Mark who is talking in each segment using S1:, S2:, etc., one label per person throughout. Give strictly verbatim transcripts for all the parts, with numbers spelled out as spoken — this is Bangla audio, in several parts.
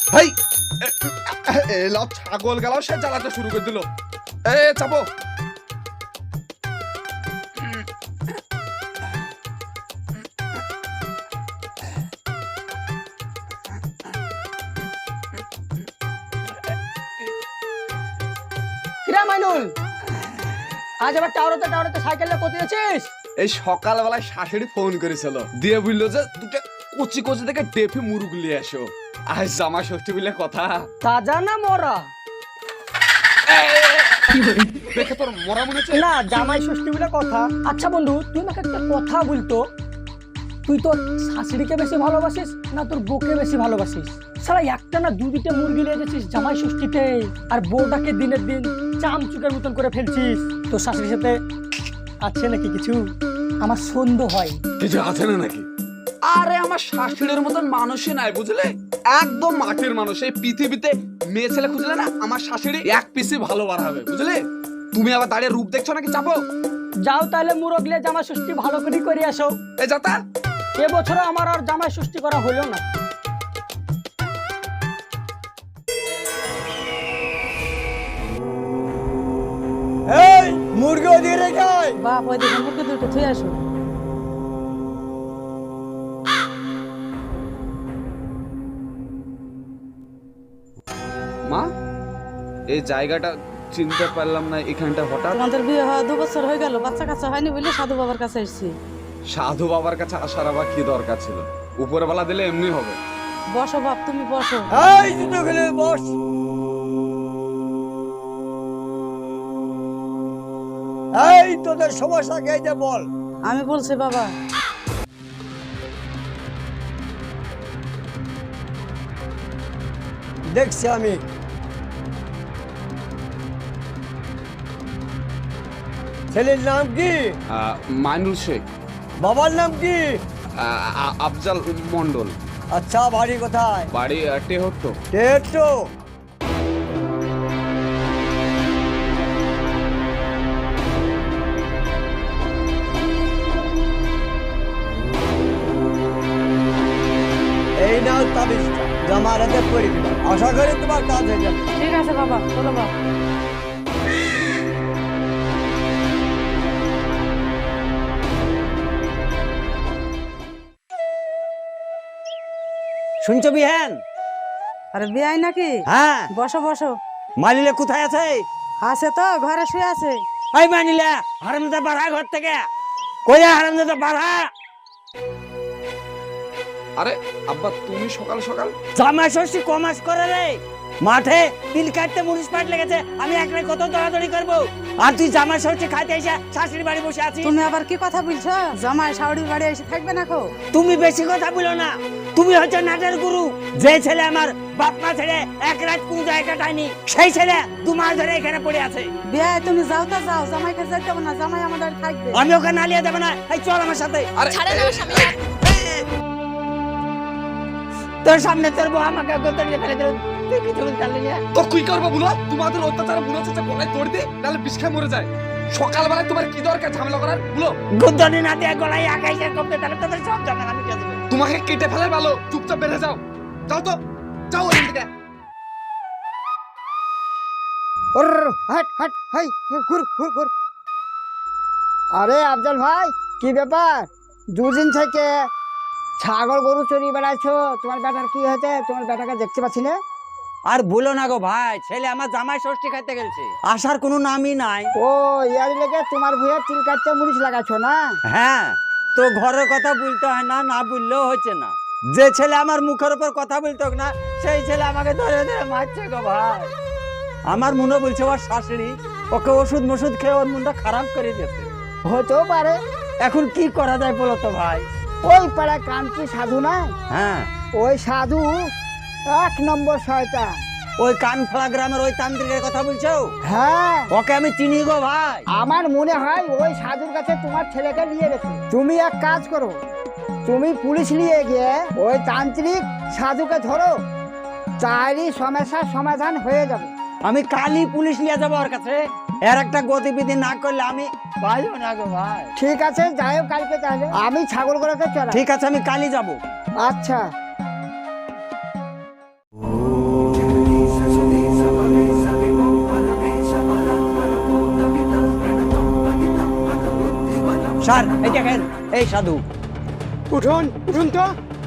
S1: ভাই এলাও ছাগল গেলাও সে জ্বালাতে শুরু করে দিল। এ চাপো।
S2: কিরা মাইনুল, আজ আবার টাওয়ারতে টাওয়ারতে সাইকেলে কোথায় যাচ্ছিস?
S1: এই সকালবেলায় শাশুড়ি ফোন করেছিল, দিয়ে বললো যে দুটো কচি কচি থেকে ডেফে মুরুগ নিয়ে আসো, আজ জামা ষষ্ঠী বলে কথা।
S2: তাজা না মরা?
S1: দেখে তোর মরা মনে হচ্ছে
S2: না, জামাই ষষ্ঠী বলে কথা। আচ্ছা বন্ধু, তুই আমাকে একটা কথা বলতো, তুই তোর শাশুড়িকে বেশি ভালোবাসিস না তোর বউকে বেশি ভালোবাসিস? সারা একটা না দু দুটো মুরগি নিয়ে যাচ্ছিস জামাই ষষ্ঠীতে, আর বউটাকে দিনের দিন চামচুকের মতন করে ফেলছিস। তোর শাশুড়ির সাথে আছে নাকি কিছু? আমার সন্দেহ হয়।
S1: কিছু আছে না নাকি? আরে আমার শাশুড়ির মতন মানুষই নাই, বুঝলে? একদম মাটির মানুষ। এই পৃথিবীতে মেয়ে ছেলে খুঁজলে না আমার শাশুড়ি এক পিসি ভালো বার হবে, বুঝলে? তুমি আবার দাঁড়িয়ে রূপ দেখছো নাকি? চাপো।
S2: যাও তাহলে মুরগলে জামাই ষষ্ঠী ভালো করে করে আসো।
S1: এ যাতা,
S2: এবছর আমার আর জামাই ষষ্ঠী করা হলো না।
S3: এই মুরগি ওদিকে রেখে আয়।
S4: বাপ ওই দিকে মুরগি দুটো থুই আসো।
S1: মা এই জায়গাটা চিনতে পারলাম না, এখানটা হঠাৎ।
S4: তোমাদের বিয়ে হওয়া দু বছর হয়ে গেল, বাচ্চা কাচ্চা হয়নি বলে সাধু বাবার কাছে এসেছি।
S1: সাধু বাবার কাছে আসার আবার কি দরকার ছিল? উপরবেলা দিলে এমনি হবে।
S4: বসো বাপ, তুমি বসো।
S3: এই দুটো খেলে বস। এই তোদের সমস্যা কে যে বল।
S4: আমি বলছি বাবা।
S3: দেখছি আমি। ছেলের নাম কি?
S1: আহ, মাইনুল শেখ।
S3: বাবার নাম কি?
S1: আহ, আ- আফজাল মন্ডল।
S3: আচ্ছা, বাড়ি কোথায়?
S1: বাড়ি টেহট্ট।
S3: টেট্টো। এই নাও তাবিজটা, জামার হাতে পড়ে দিলাম। আশা করি তোমার কাজ হয়ে যাবে।
S4: ঠিক আছে বাবা, চলো বাবা।
S3: শুনছো বিহান?
S4: আরে বিয়াই নাকি?
S3: হ্যাঁ।
S4: বসো বসো।
S3: মালিলে কোথায় আছে?
S4: আছে তো, ঘরে শুয়ে আছে।
S3: এই মানিলা, হারামজাদা বাড়া ঘর থেকে। কইয়া হারামজাদা বাড়া।
S1: আরে আব্বা, তুমি সকাল সকাল?
S3: জামাই ষষ্ঠী কমাস করে রে। মাঠে তিল কাটতে মুনিশ পাট লেগেছে, আমি একলাই কত দৌড়াদৌড়ি করবো, আর তুই জামাই ষষ্ঠী খাইতে এসে শাশুড়ি বাড়ি বসে আছিস।
S4: তুমি আবার কি কথা বলছো? জামাই শাশুড়ি বাড়ি এসে থাকবে না কো?
S3: তুমি বেশি কথা বলো না। তুমি হচ্ছে নাটের গুরু। যে ছেলে আমার বাপ মা ছেড়ে এক রাত কোন জায়গায় কাটায়নি, সেই ছেলে দু মাস ধরে এখানে পড়ে আছে।
S4: বিয়াই তুমি যাও তো যাও, জামাইকে যেতে হবে না, জামাই আমাদের থাকবে।
S3: আমি ওকে নালিয়ে দেবো না। এই চল আমার সাথে।
S1: আরে
S3: তোর সামনে তোর বউ আমাকে গোতরিয়ে ফেলে দিল, তুই কিছু বলতে পারলি না।
S1: তো কি করবো বলো? তোমাদের অত্যাচার মনে হচ্ছে গলায় দড়ি দিয়ে তাহলে বিষ খেয়ে মরে যায়। সকালবেলায় তোমার কি দরকার ঝামেলা করার বলো?
S3: গুদ্দনি না দিয়ে গলায় আকাইছে কমতে, তাহলে তোদের সব ঝামেলা আমি দিয়ে দেবো।
S1: তোমাকে কেটে ফেলে ভালো, চুপচাপ বেড়ে যাও। যাও তো, যাও ওখান থেকে।
S5: হাট হাট হাই ঘুর ঘুর ঘুর। আরে আফজাল ভাই, কি ব্যাপার? দুদিন থেকে ছাগল গরু চড়িয়ে বেড়াচ্ছো, তোমার বেটার কি হয়েছে? তোমার বেটাকে দেখতে পাচ্ছি না।
S3: আর বলো না গো ভাই, ছেলে আমার জামাই ষষ্ঠী খাইতে গেছে, আসার কোনো নামই নাই।
S5: ও ইয়ার লেগে তোমার ভুয়ে চুল কাটতে মুড়িশ লাগাচ্ছ না?
S3: হ্যাঁ, তো ঘরের কথা বলতে হয় না, না বললেও হচ্ছে না। যে ছেলে আমার মুখের উপর কথা বলতো না, সেই ছেলে আমাকে ধরে ধরে মারছে গো ভাই। আমার মনে বলছে ওর শাশুড়ি ওকে ওষুধ মষুধ খেয়ে ওর মনটা খারাপ করে দিয়েছে।
S5: হতেও পারে।
S3: এখন কি করা যায় বলো তো ভাই?
S5: ওই পাড়ায় কান্তি সাধু না,
S3: হ্যাঁ,
S5: ওই সাধু এক নম্বর শয়তান।
S3: ওই কানফালা গ্রামের ওই তান্ত্রিকের কথা বলছো?
S5: হ্যাঁ,
S3: ওকে আমি চিনি গো ভাই।
S5: আমার মনে হয় ওই সাধুর কাছে তোমার ছেলেকে নিয়ে গেছে। তুমি এক কাজ করো, তুমি পুলিশ নিয়ে গিয়ে ওই তান্ত্রিক সাধুকে ধরো, তারই সমস্যার সমাধান হয়ে যাবে।
S3: আমি কালই পুলিশ নিয়ে যাবো ওর কাছে। এর একটা গতিবিধি না করলে আমি পাইও না গো ভাই।
S5: ঠিক আছে, যাই হোক কালকে তাহলে। আমি ছাগলগুলোকে চড়াই।
S3: ঠিক আছে, আমি কালই যাবো।
S5: আচ্ছা।
S3: স্যার এই দেখেন এই সাধু।
S2: উঠুন উঠুন তো।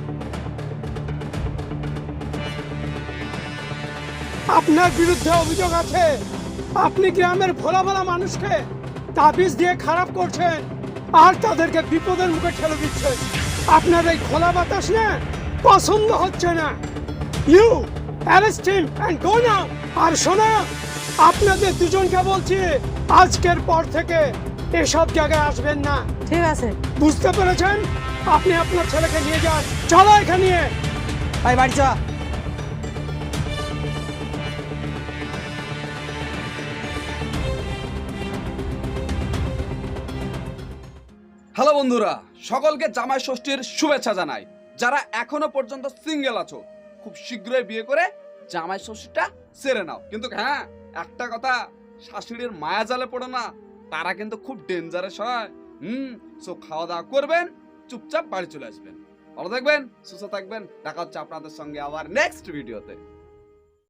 S2: আপনার বিরুদ্ধে অভিযোগ আছে, আপনি গ্রামের ভোলা ভোলা মানুষকে তাবিজ দিয়ে খারাপ করছেন আর তাদেরকে বিপদের মুখে ঠেলে দিচ্ছেন। আপনার এই খোলা বাতাস না পছন্দ হচ্ছে না। You arrest him and go now. আর শোনো, আপনাদের দুজনকে বলছি আজকের পর থেকে এসব জায়গায় আসবেন না।
S4: ঠিক আছে।
S2: বুঝতে পেরেছেন? আপনি আপনার ছেলেকে নিয়ে যান। চলো এখানে নিয়ে।
S3: ভাই বাড়ি চ।
S1: হ্যালো বন্ধুরা, সকলকে জামাই ষষ্ঠীর শুভেচ্ছা জানাই। যারা এখনো পর্যন্ত সিঙ্গেল আছো, খুব শীঘ্রই বিয়ে করে জামাই ষষ্ঠীটা সেরে নাও। কিন্তু হ্যাঁ, একটা কথা, শাশুড়ির মায়া জালে পড়ো না, তারা কিন্তু খুব ডেঞ্জারাস হয়। হুম সো খাওয়া দাওয়া করবেন, চুপচাপ বাড়ি চলে আসবেন। ভালো থাকবেন, সুস্থ থাকবেন। দেখা হচ্ছে আপনাদের সঙ্গে আবার নেক্সট ভিডিওতে।